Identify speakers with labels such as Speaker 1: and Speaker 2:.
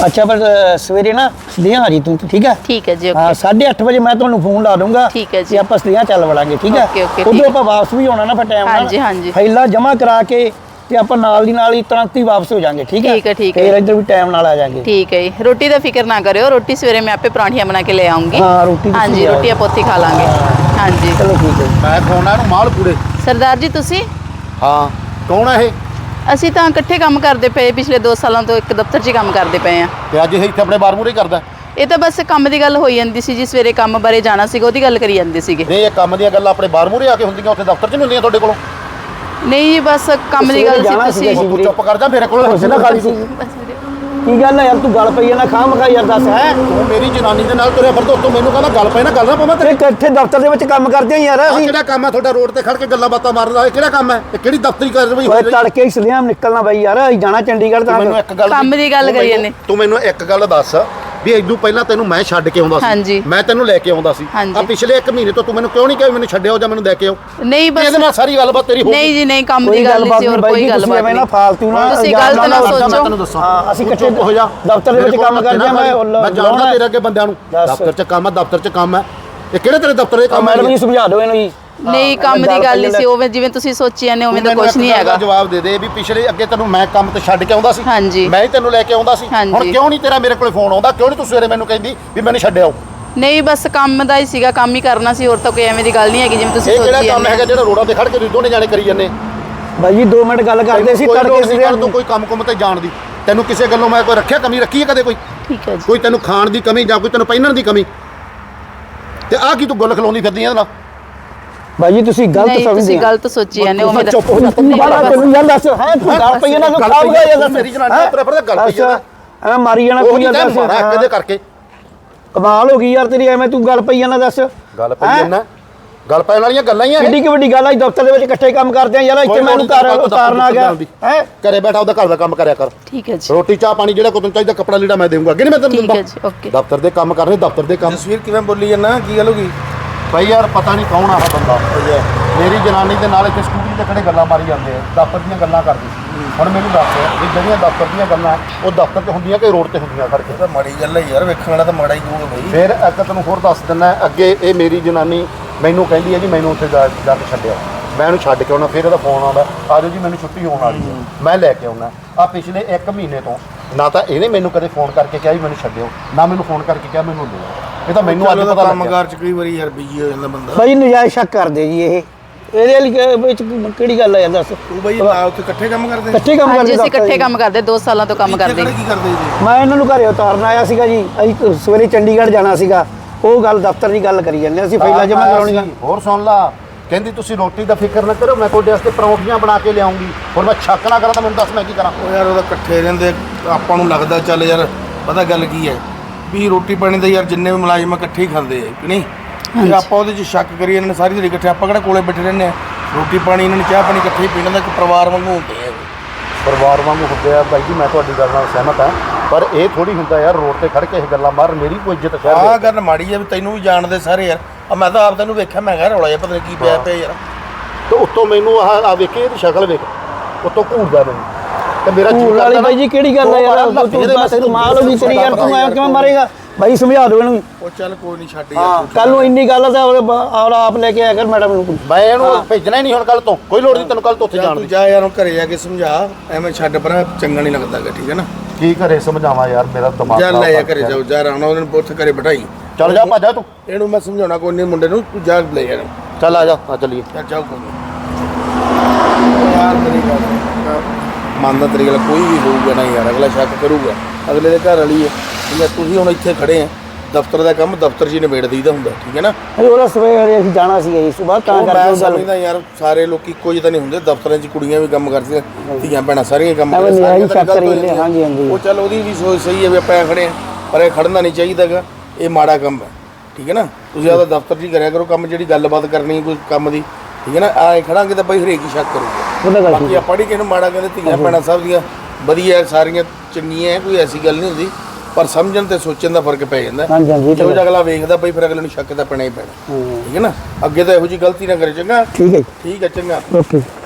Speaker 1: अच्छा पर सवेरे ना सदियां आ जी तू ठीक है
Speaker 2: जी।
Speaker 1: हाँ 8:30 वजे मैं तुहानू फोन ला दूंगा
Speaker 2: ठीक है जी।
Speaker 1: आप सदियां चल वड़ांगे ठीक है। उधरों आप वापस भी होना ना फिर टाइम
Speaker 2: हाँ जी हाँ जी।
Speaker 1: फाइलां जमा करा के ਤੇ ਆਪਾਂ ਨਾਲ ਦੀ ਨਾਲ ਹੀ ਤੁਰੰਤ ਹੀ ਵਾਪਸ ਹੋ ਜਾਾਂਗੇ ਠੀਕ ਹੈ ਫਿਰ ਇੱਧਰ ਵੀ ਟਾਈਮ ਨਾਲ ਆ ਜਾਾਂਗੇ
Speaker 2: ਠੀਕ ਹੈ ਜੀ। ਰੋਟੀ ਦਾ ਫਿਕਰ ਨਾ ਕਰਿਓ ਰੋਟੀ ਸਵੇਰੇ ਮੈਂ ਆਪੇ ਪਰਾਂਠੀਆਂ ਬਣਾ ਕੇ ਲੈ ਆਉਂਗੀ
Speaker 1: ਹਾਂ ਰੋਟੀ
Speaker 2: ਹਾਂਜੀ ਰੋਟੀ ਆਪਾਂ ਉੱਥੇ ਖਾ ਲਾਂਗੇ ਹਾਂਜੀ
Speaker 1: ਚਲੋ ਠੀਕ ਹੈ
Speaker 3: ਮੈਂ ਖਵਾਉਣਾ ਇਹਨੂੰ ਮਾਲ ਪੂੜੇ
Speaker 2: ਸਰਦਾਰ ਜੀ ਤੁਸੀਂ
Speaker 3: ਹਾਂ ਕੌਣ ਹੈ ਇਹ
Speaker 2: ਅਸੀਂ ਤਾਂ ਇਕੱਠੇ ਕੰਮ ਕਰਦੇ ਪਏ ਪਿਛਲੇ 2 ਸਾਲਾਂ ਤੋਂ ਇੱਕ ਦਫ਼ਤਰ 'ਚ ਕੰਮ ਕਰਦੇ ਪਏ ਆ
Speaker 3: ਤੇ ਅੱਜ ਇਹ ਇੱਥੇ ਆਪਣੇ ਬਾਰ ਮੂਰੇ ਕਰਦਾ
Speaker 2: ਇਹ ਤਾਂ ਬਸ ਕੰਮ ਦੀ ਗੱਲ ਹੋਈ ਜਾਂਦੀ ਸੀ ਜੀ ਸਵੇਰੇ ਕੰਮ ਬਾਰੇ ਜਾਣਾ ਸੀਗਾ ਉਹਦੀ ਗੱਲ ਕਰੀ ਜਾਂਦੇ ਸੀਗੇ
Speaker 3: ਨਹੀਂ ਇਹ ਕੰਮ ਦੀਆਂ ਗੱਲਾਂ ਆਪਣੇ ਬਾਰ ਮੂਰੇ ਆ ਕੇ ਹੁੰਦੀਆਂ ਉੱਥੇ ਦਫ਼ਤਰ 'ਚ ਨਹੀਂ ਹੁੰਦੀਆਂ ਤੁਹਾਡੇ ਕੋਲੋਂ
Speaker 2: ਨਹੀਂ ਜੀ ਬਸ ਕੰਮ ਦੀ ਗੱਲ ਸੀ ਤੁਸੀਂ
Speaker 3: ਤੂੰ ਚੁੱਪ ਕਰ ਜਾ ਮੇਰੇ ਕੋਲ ਹਿੱਸੇ ਨਾ ਖਾਲੀ ਸੀ
Speaker 1: ਕੀ ਗੱਲ ਹੈ ਯਾਰ ਤੂੰ ਗੱਲ ਪਈ ਨਾ ਖਾਮ ਖਾ ਯਾਰ ਦੱਸ ਹੈ
Speaker 3: ਤੂੰ ਮੇਰੀ ਜਨਾਨੀ ਦੇ ਨਾਲ ਤੁਰਿਆ ਫਿਰਦਾ ਤੂੰ ਮੈਨੂੰ ਕਹਿੰਦਾ ਗੱਲ ਪਈ ਨਾ ਗੱਲ ਨਾ ਪਵਾਂ
Speaker 1: ਤੇਰੇ ਇਕੱਠੇ ਦਫ਼ਤਰ ਦੇ ਵਿੱਚ ਕੰਮ ਕਰਦੇ ਆ ਯਾਰ ਅਸੀਂ
Speaker 3: ਕਿਹੜਾ ਕੰਮ ਹੈ ਤੁਹਾਡਾ ਰੋਡ ਤੇ ਖੜ ਕੇ ਗੱਲਾਂ ਬਾਤਾਂ ਮਾਰਦਾ ਇਹ ਕਿਹੜਾ ਕੰਮ ਹੈ ਇਹ ਕਿਹੜੀ ਦਫ਼ਤਰੀ ਕਾਰਵਾਈ
Speaker 1: ਓਏ ਤੜਕੇ ਹੀ ਸਲਿਆਂ ਨਿਕਲਣਾ ਬਾਈ ਯਾਰ ਅਸੀਂ ਜਾਣਾ ਚੰਡੀਗੜ੍ਹ ਤਾਂ
Speaker 3: ਮੈਨੂੰ ਇੱਕ ਗੱਲ
Speaker 2: ਕੰਮ ਦੀ ਗੱਲ ਕਰੀ ਜਾਂਦੇ
Speaker 3: ਤੂੰ ਮੈਨੂੰ ਇੱਕ ਗੱਲ ਦੱਸ ਵੀ ਇਦੋਂ ਪਹਿਲਾਂ ਤੈਨੂੰ ਮੈਂ ਛੱਡ ਕੇ ਆਉਂਦਾ ਸੀ ਮੈਂ ਤੈਨੂੰ ਲੈ ਕੇ ਆਉਂਦਾ ਸੀ ਆ ਪਿਛਲੇ 1 ਮਹੀਨੇ ਤੋਂ ਤੂੰ ਮੈਨੂੰ ਕਿਉਂ ਨਹੀਂ ਕਿਹਾ ਮੈਨੂੰ ਛੱਡਿਓ ਜਾਂ ਮੈਨੂੰ ਲੈ ਕੇ ਆਓ
Speaker 2: ਨਹੀਂ ਬਸ
Speaker 3: ਇਹਦੇ ਨਾਲ ਸਾਰੀ ਗੱਲਬਾਤ ਤੇਰੀ ਹੋ
Speaker 2: ਨਹੀਂ ਜੀ ਨਹੀਂ ਕੰਮ ਦੀ ਗੱਲ ਨਹੀਂ ਸੀ ਹੋਰ ਕੋਈ ਗੱਲਬਾਤ ਨਹੀਂ
Speaker 1: ਨਾ ਫਾਲਤੂ ਨਾ
Speaker 2: ਤੁਸੀਂ ਗਲਤ ਨਾ ਸੋਚੋ
Speaker 3: ਮੈਂ ਤੈਨੂੰ ਦੱਸਾਂ
Speaker 1: ਹਾਂ ਅਸੀਂ ਇਕੱਠੇ
Speaker 3: ਹੋ ਜਾ
Speaker 1: ਦਫ਼ਤਰ ਦੇ ਵਿੱਚ ਕੰਮ ਕਰਦੇ ਆ
Speaker 3: ਮੈਂ ਜਾਣਦਾ ਤੇਰੇ ਅੱਗੇ ਬੰਦਿਆਂ ਨੂੰ ਦਫ਼ਤਰ 'ਚ ਕੰਮ ਹੈ ਦਫ਼ਤਰ 'ਚ ਕੰਮ ਹੈ ਇਹ ਕਿਹੜੇ ਤੇਰੇ ਦਫ਼ਤਰ ਦੇ ਕੰਮ
Speaker 1: ਮੈਡਮ ਜੀ ਸਮਝਾ ਦਿਓ ਇਹਨੂੰ ਜੀ
Speaker 2: ਨਹੀਂ ਕੰਮ ਦੀ ਗੱਲ ਨਹੀਂ ਸੀ ਉਵੇਂ ਜਿਵੇਂ ਤੁਸੀਂ ਸੋਚੀ ਜਾਂਦੇ ਉਵੇਂ ਤਾਂ ਕੁਝ ਨਹੀਂ ਹੈਗਾ
Speaker 3: ਜਵਾਬ ਦੇ ਦੇ ਵੀ ਪਿਛਲੇ ਅੱਗੇ ਤੈਨੂੰ ਮੈਂ ਕੰਮ ਤੇ ਛੱਡ ਕੇ ਆਉਂਦਾ ਸੀ ਮੈਂ ਹੀ ਤੈਨੂੰ ਲੈ ਕੇ ਆਉਂਦਾ ਸੀ ਹੁਣ ਕਿਉਂ ਨਹੀਂ ਤੇਰਾ ਮੇਰੇ ਕੋਲੇ ਫੋਨ ਆਉਂਦਾ ਕਿਉਂ ਨਹੀਂ ਤੂੰ ਸਵੇਰੇ ਮੈਨੂੰ ਕਹਿੰਦੀ ਵੀ ਮੈਨੂੰ ਛੱਡਿਓ
Speaker 2: ਨਹੀਂ ਬਸ ਕੰਮ ਦਾ ਹੀ ਸੀਗਾ ਕੰਮ ਹੀ ਕਰਨਾ ਸੀ ਹੋਰ ਤਾਂ ਕੋਈ ਐਵੇਂ ਦੀ ਗੱਲ ਨਹੀਂ ਹੈਗੀ ਜਿਵੇਂ ਤੁਸੀਂ ਸੋਚੀ
Speaker 3: ਜਾਂਦੇ ਇਹ ਕਿਹੜਾ ਕੰਮ ਹੈਗਾ ਜਿਹੜਾ ਰੋਡਾਂ ਤੇ ਖੜ ਕੇ ਤੁਸੀਂ ਦੋਨੇ ਜਾਣੇ ਕਰੀ ਜਾਂਦੇ
Speaker 1: ਬਾਈ ਜੀ 2 ਮਿੰਟ ਗੱਲ ਕਰਦੇ ਸੀ ਤੜਕੇ
Speaker 3: ਸਵੇਰੇ ਤੂੰ ਕੋਈ ਕੰਮ ਕੁੰਮ ਤੇ ਜਾਣ ਦੀ ਤੈਨੂੰ ਕਿਸੇ ਗੱਲੋਂ ਮੈਂ ਕੋਈ ਰੱਖਿਆ ਕਮੀ ਰੱਖੀ ਹੈ ਕਦੇ ਕੋਈ
Speaker 2: ਠੀਕ ਹੈ ਜੀ
Speaker 3: ਕੋਈ ਤੈਨੂੰ ਖਾਣ ਦੀ ਕਮੀ ਜਾਂ ਕੋਈ ਤੈਨੂੰ ਪਹਿਨਣ ਦੀ ਕਮੀ ਤੇ ਆਹ ਕੀ ਤੂੰ ਗੁੱਲ ਖਲਾਉਂਦੀ ਫਿਰਦੀ ਇਹਦੇ ਨਾਲ
Speaker 1: ਬਾਈ ਜੀ ਤੁਸੀਂ ਗਲਤ ਸਮਝਦੇ
Speaker 2: ਤੁਸੀਂ ਗਲਤ ਸੋਚੀ ਜਾਂਦੇ ਉਵੇਂ
Speaker 1: ਚੁੱਪ ਹੋ ਜਾ ਤੈਨੂੰ ਯਾਰ ਦੱਸ ਹੈ ਤੂੰ ਗੱਲ ਪਈ ਨਾ ਤੂੰ ਖਾਬ ਗਿਆ ਯਾਰ
Speaker 3: ਮੇਰੀ ਜਨਾਨੀ ਤੇਰੇ ਪਰ ਗੱਲ ਪਈ
Speaker 1: ਆ ਐਵੇਂ ਮਾਰੀ ਜਾਣਾ ਕੋਈ ਯਾਰ ਦੱਸ
Speaker 3: ਕਿਹਦੇ ਕਰਕੇ
Speaker 1: ਕਮਾਲ ਹੋ ਗਈ ਯਾਰ ਤੇਰੀ ਐਵੇਂ ਤੂੰ ਗੱਲ ਪਈ ਜਾਣਾ ਦੱਸ
Speaker 3: ਗੱਲ ਪਈ ਜਾਣਾ ਗੱਲ ਪੈਣ ਵਾਲੀਆਂ ਗੱਲਾਂ ਹੀ ਆ
Speaker 1: ਕਿੱਡੀ ਕਿ ਵੱਡੀ ਗੱਲ ਆ ਦਫ਼ਤਰ ਦੇ ਵਿੱਚ ਇਕੱਠੇ ਕੰਮ ਕਰਦੇ ਆ ਯਾਰ ਇੱਥੇ ਮੈਨੂੰ ਘਰ ਉਤਾਰਨ ਆ ਗਿਆ ਹੈ
Speaker 3: ਘਰੇ ਬੈਠਾ ਉਹਦਾ ਘਰ ਦਾ ਕੰਮ ਕਰਿਆ ਕਰ
Speaker 2: ਠੀਕ ਹੈ ਜੀ
Speaker 3: ਰੋਟੀ ਚਾਹ ਪਾਣੀ ਜਿਹੜਾ ਕੋਈ ਤੈਨੂੰ ਚਾਹੀਦਾ ਕੱਪੜਾ ਲੀੜਾ ਮੈਂ ਦੇਵਾਂਗਾ ਅੱਗੇ ਨਹੀਂ ਮੈਂ ਤੈਨੂੰ ਦਿੰਦਾ
Speaker 2: ਠੀਕ ਹੈ ਜੀ ਓਕੇ
Speaker 3: ਦਫ਼ਤਰ ਦੇ ਕੰਮ ਕਰਨੇ ਦਫ਼ਤਰ ਦੇ ਕੰਮ
Speaker 4: ਤਸਵੀਰ ਕਿਵੇਂ ਬੋਲੀ ਜਾਂਦਾ ਕੀ ਗੱਲ ਹੋ ਗਈ
Speaker 3: ਭਾਈ ਯਾਰ ਪਤਾ ਨਹੀਂ ਕੌਣ ਆ ਬੰਦਾ ਮੇਰੀ ਜਨਾਨੀ ਦੇ ਨਾਲ ਇੱਥੇ ਸਕੂਟਰੀ ਤੇ ਖੜੇ ਗੱਲਾਂ ਮਾਰੀ ਜਾਂਦੇ ਆ ਦਫ਼ਤਰ ਦੀਆਂ ਗੱਲਾਂ ਕਰਦੇ ਹੁਣ ਮੈਨੂੰ ਦੱਸ ਇਹ ਜਿਹੜੀਆਂ ਦਫ਼ਤਰ ਦੀਆਂ ਗੱਲਾਂ ਉਹ ਦਫ਼ਤਰ 'ਚ ਹੁੰਦੀਆਂ ਕਿ ਰੋਡ ਤੇ ਹੁੰਦੀਆਂ ਖੜ ਕੇ
Speaker 4: ਤਾਂ ਮਾੜੀ ਗੱਲ ਹੈ ਯਾਰ ਵੇਖਣ ਵਾਲਾ ਤਾਂ ਮਾੜਾ ਹੀ ਹੋਊਗਾ ਬਈ
Speaker 3: ਫਿਰ ਇੱਕ ਤੈਨੂੰ ਹੋਰ ਦੱਸ ਦਿੰਦਾ ਅੱਗੇ ਇਹ ਮੇਰੀ ਜਨਾਨੀ ਮੈਨੂੰ ਕਹਿੰਦੀ ਹੈ ਜੀ ਮੈਨੂੰ ਉੱਥੇ ਜਾ ਕੇ ਛੱਡਿਓ ਮੈਂ ਉਹਨੂੰ ਛੱਡ ਕੇ ਆਉਣਾ ਫਿਰ ਇਹਦਾ ਫੋਨ ਆਉਂਦਾ ਆ ਜਾਓ ਜੀ ਮੈਨੂੰ ਛੁੱਟੀ ਹੋਣ ਵਾਲੀ ਹੈ ਮੈਂ ਲੈ ਕੇ ਆਉਣਾ ਆ ਪਿਛਲੇ 1 ਮਹੀਨੇ ਤੋਂ ਨਾ ਤਾਂ ਇਹਨੇ ਮੈਨੂੰ ਕਦੇ ਫੋਨ ਕਰਕੇ ਕਿਹਾ ਵੀ ਮੈਨੂੰ ਛੱਡਿਓ ਨਾ ਮੈਨੂੰ ਫੋਨ ਕਰਕੇ ਕਿਹਾ ਮੈਨੂੰ ਲਿਓ ਇਹ ਤਾਂ ਮੈਨੂੰ ਅੱਜ ਪਤਾ ਲੱਗਾ
Speaker 4: ਕੰਮਕਾਰ 'ਚ ਕਈ ਵਾਰੀ ਯਾਰ ਬਿਜੀ ਹੋ ਜਾਂਦਾ ਬੰਦਾ
Speaker 1: ਬਾਈ ਨਜਾਇਜ਼ ਸ਼ੱਕ ਕਰਦੇ ਜੀ ਇਹ ਇਹਦੇ ਵਿੱਚ ਕਿਹੜੀ ਗੱਲ ਆ ਯਾਰ ਦੱਸ
Speaker 4: ਤੂੰ ਬਈ ਨਾ ਉੱਥੇ ਇਕੱਠੇ ਕੰਮ ਕਰਦੇ
Speaker 1: ਇਕੱਠੇ ਕੰਮ ਕਰਦੇ
Speaker 2: ਅਸੀਂ ਇਕੱਠੇ ਕੰਮ ਕਰਦੇ 2 ਸਾਲਾਂ ਤੋਂ ਕੰਮ ਕਰਦੇ
Speaker 4: ਕੀ ਕਰਦੇ ਜੀ
Speaker 1: ਮੈਂ ਇਹਨਾਂ ਨੂੰ ਘਰੇ ਉਤਾਰਨ ਆਇਆ ਸੀਗਾ ਜੀ ਅਸੀਂ ਸਵੇਰੇ ਚੰਡੀਗੜ੍ਹ ਜਾਣਾ ਸੀਗਾ ਉਹ ਗੱਲ ਦਫ਼ਤਰ ਦੀ ਗੱਲ ਕਰੀ ਜਾਂਦੇ ਅਸੀਂ ਫਾਈਲਾਂ ਜਮ੍ਹਾਂ ਕਰਾਉਣੀਆਂ
Speaker 3: ਹੋਰ ਸੁਣ ਲਾ ਕਹਿੰਦੀ ਤੁਸੀਂ ਰੋਟੀ ਦਾ ਫਿਕਰ ਨਾ ਕਰੋ ਮੈਂ ਤੁਹਾਡੇ ਵਾਸਤੇ ਪਰੌਂਠੀਆਂ ਬਣਾ ਕੇ ਲਿਆਉਂਗੀ ਹੋਰ ਮੈਂ ਛੱਕ ਨਾ ਕਰਾਂ ਤਾਂ ਮੈਨੂੰ ਦੱਸ ਮੈਂ ਕੀ ਕਰਾਂ
Speaker 4: ਉਹ ਯਾਰ ਉਹਦਾ ਇਕੱਠੇ ਰਹਿੰਦੇ ਆਪਾਂ ਨੂੰ ਲੱਗਦਾ ਚੱਲ ਯਾਰ ਪਤਾ ਗੱਲ ਕੀ ਹੈ ਵੀ ਰੋਟੀ ਪਾਣੀ ਦਾ ਯਾਰ ਜਿੰਨੇ ਵੀ ਮੁਲਾਜ਼ਮ ਇਕੱਠੇ ਹੀ ਖਾਂਦੇ ਆ ਕਿ ਨਹੀਂ ਤੇ ਆਪਾਂ ਉਹਦੇ 'ਚ ਸ਼ੱਕ ਕਰੀਏ ਇਹਨਾਂ ਨੇ ਸਾਰੀ ਦਿਹਾੜੀ ਇਕੱਠੇ ਆਪਾਂ ਕਿਹੜਾ ਕੋਲੇ ਬੈਠੇ ਰਹਿੰਦੇ ਆ ਰੋਟੀ ਪਾਣੀ ਇਹਨਾਂ ਨੇ ਚਾਹ ਪਾਣੀ ਇਕੱਠੇ ਹੀ ਪੀਣ ਦਾ ਇੱਕ ਪਰਿਵਾਰ ਵਾਂਗੂ ਹੁੰਦੇ ਆ
Speaker 3: ਪਰਿਵਾਰ ਵਾਂਗੂ ਹੁੰਦੇ ਆ ਬਾਈ ਜੀ ਮੈਂ ਤੁਹਾਡੀ ਗੱਲ ਨਾਲ ਸਹਿਮਤ ਹਾਂ ਪਰ ਇਹ ਥੋੜੀ ਹੁੰਦਾ ਯਾਰ ਰੋਡ ਤੇ ਖੜ ਕੇ ਇਹ ਗੱਲਾਂ ਮਾਰ ਮੇਰੀ ਕੋਈ ਇੱਜ਼ਤ ਸ਼ਹਿਰ
Speaker 4: ਆਹ ਗੱਲ ਮਾੜੀ ਆ ਵੀ ਤੈਨੂੰ ਵੀ ਜਾਣਦੇ ਸਾਰੇ ਯਾਰ ਆ ਮੈਂ ਤਾਂ ਆਪ ਤੈਨੂੰ ਵੇਖਿਆ ਮੈਂ ਕਿਹਾ ਰੌਲਾ ਜਿਹਾ ਪਤਾ ਨਹੀਂ ਕੀ ਪਿਆ ਪਿਆ ਯਾਰ
Speaker 3: ਤੇ ਉੱਤੋਂ ਮੈਨੂੰ ਆ ਵੇਖੇ ਇਹਦੀ ਸ਼ਕਲ ਵੇਖ ਉੱਤੋਂ ਘੂਰਦਾ ਮੈਨੂੰ ਤੇ ਮੇਰਾ
Speaker 1: ਘੂਰ ਵਾਲੀ ਬਾਈ ਜੀ ਕਿਹੜੀ ਗੱਲ ਆ ਯਾਰ ਤੂੰ ਮਾਲ ਹੋ ਗਈ ਤੇਰੀ ਯਾਰ ਤੂੰ ਐਂ ਕਿਵੇਂ ਮਾਰੇਗਾ ਬਾਈ ਸਮਝਾ ਦਿਓ ਇਹਨੂੰ
Speaker 4: ਉਹ ਚੱਲ ਕੋਈ ਨਹੀਂ ਛੱਡ
Speaker 1: ਹਾਂ ਕੱਲ ਨੂੰ ਇੰਨੀ ਗੱਲ ਆ ਤਾਂ ਆਪ ਲੈ ਕੇ ਆਇਆ ਕਰ ਮੈਡਮ ਨੂੰ
Speaker 3: ਮੈਂ ਇਹਨੂੰ ਭੇਜਣਾ ਹੀ ਨਹੀਂ ਹੁਣ ਕੱਲ ਤੋਂ ਕੋਈ ਲੋੜ ਨਹੀਂ ਤੈਨੂੰ ਕੱਲ ਤੋਂ ਉੱਥੇ ਜਾਣ ਦੀ
Speaker 4: ਜਾ ਯਾਰ ਘਰੇ ਜਾ ਕੇ ਸਮਝਾ ਐਵੇਂ ਛੱਡ ਪਰ ਚੰਗਾ ਨਹੀਂ ਲੱਗਦਾਗਾ ਠੀਕ ਹੈ ਨਾ
Speaker 3: ਕੀ ਘਰੇ ਸਮਝਾਵਾਂ ਯਾਰ ਮੇਰਾ ਦਿਮਾਗ
Speaker 4: ਜਾ ਲੈ ਜਾ ਘਰੇ ਜਾਓ ਜਾ ਰਾਣਾ ਉਹਨੂੰ ਪੁੱਛ ਘਰੇ ਬਿਠਾਈ
Speaker 3: ਚੱਲ ਜਾ ਭੱਜਾ ਤੂੰ
Speaker 4: ਇਹਨੂੰ ਮੈਂ ਸਮਝਾਉਣਾ ਕੋਈ ਨਹੀਂ ਮੁੰਡੇ ਨੂੰ ਤੂੰ ਜਾ ਲੈ ਜਾ
Speaker 3: ਚੱਲ ਆ ਜਾ ਆ ਚੱਲੀਏ
Speaker 4: ਚੱਲ ਜਾਓ ਕੋਈ ਯਾਰ ਮੇਰੀ ਗੱਲ ਮੰਨਦਾ ਤੇਰੀ ਗੱਲ ਕੋਈ ਵੀ ਹੋਊਗਾ ਨਾ ਯਾਰ ਅਗਲਾ ਸ਼ੱਕ ਕਰੂਗਾ ਅਗਲੇ ਦੇ ਘਰ ਵਾਲੀ ਹੈ ਠੀਕ ਹੈ ਤੁਸੀਂ ਹੁਣ ਇੱਥੇ ਖੜੇ ਆ ਦਫ਼ਤਰ ਦਾ ਕੰਮ ਦਫ਼ਤਰ 'ਚ ਹੀ ਨਿਬੇੜ ਦਈਦਾ ਹੁੰਦਾ ਠੀਕ ਹੈ ਨਾ
Speaker 1: ਉਹਦਾ ਸਵੇਰੇ ਅਸੀਂ ਜਾਣਾ ਸੀਗਾ ਜੀ ਸਵੇਰ ਤਾਂ ਕਰਕੇ
Speaker 4: ਮੈਂ ਸਮਝਦਾ ਯਾਰ ਸਾਰੇ ਲੋਕੀ ਇੱਕੋ ਜਿਹੇ ਤਾਂ ਨਹੀਂ ਹੁੰਦੇ ਦਫ਼ਤਰਾਂ 'ਚ ਕੁੜੀਆਂ ਵੀ ਕੰਮ ਕਰਦੀਆਂ ਧੀਆਂ ਭੈਣਾਂ ਸਾਰੀਆਂ ਕੰਮ ਕਰਦੀਆਂ
Speaker 1: ਹਾਂਜੀ ਹਾਂਜੀ
Speaker 4: ਉਹ ਚੱਲ ਉਹਦੀ ਵੀ ਸੋਚ ਸਹੀ ਹੈ ਵੀ ਆਪਾਂ ਖੜੇ ਆ ਪਰ ਇਹ ਖੜਨਾ ਨਹੀਂ ਚਾਹੀਦਾਗਾ ਇਹ ਮਾੜਾ ਕੰਮ ਹੈ ਠੀਕ ਹੈ ਨਾ ਤੁਸੀਂ ਆਪਦਾ ਦਫ਼ਤਰ 'ਚ ਹੀ ਕਰਿਆ ਕਰੋ ਕੰਮ ਜਿਹੜੀ ਗੱਲਬਾਤ ਕਰਨੀ ਕੋਈ ਕੰਮ ਦੀ ਠੀਕ ਹੈ ਨਾ ਆਏ ਖੜਾਂਗੇ ਤਾਂ ਬਈ ਹਰੇਕ ਹੀ ਸ਼ੱਕ ਕਰੂਗਾ ਬਾਕੀ ਆਪਾਂ ਨਹੀਂ ਕਿਸੇ ਨੂੰ ਮਾੜਾ ਕਹਿੰਦੇ ਧੀਆਂ ਭੈਣਾਂ ਸਭ ਦੀਆਂ ਵਧੀਆ ਸਾਰੀਆਂ ਚੰਗੀਆਂ ਕੋਈ ਐਸੀ ਗੱਲ ਨਹੀਂ ਹੁੰਦੀ ਪਰ ਸਮਝਣ ਤੇ ਸੋਚਣ ਦਾ ਫਰਕ ਪੈ ਜਾਂਦਾ ਜੋ ਅਗਲਾ ਵੇਖਦਾ ਬਈ ਫਿਰ ਅਗਲੇ ਨੂੰ ਸ਼ੱਕ ਤਾਂ ਪੈਣਾ ਹੀ ਪੈਣਾ ਠੀਕ ਹੈ ਨਾ ਅੱਗੇ ਤਾਂ ਇਹੋ ਜਿਹੀ ਗਲਤੀ ਨਾ ਕਰੇ ਚੰਗਾ
Speaker 1: ਠੀਕ ਹੈ
Speaker 4: ਚੰਗਾ
Speaker 1: ਓਕੇ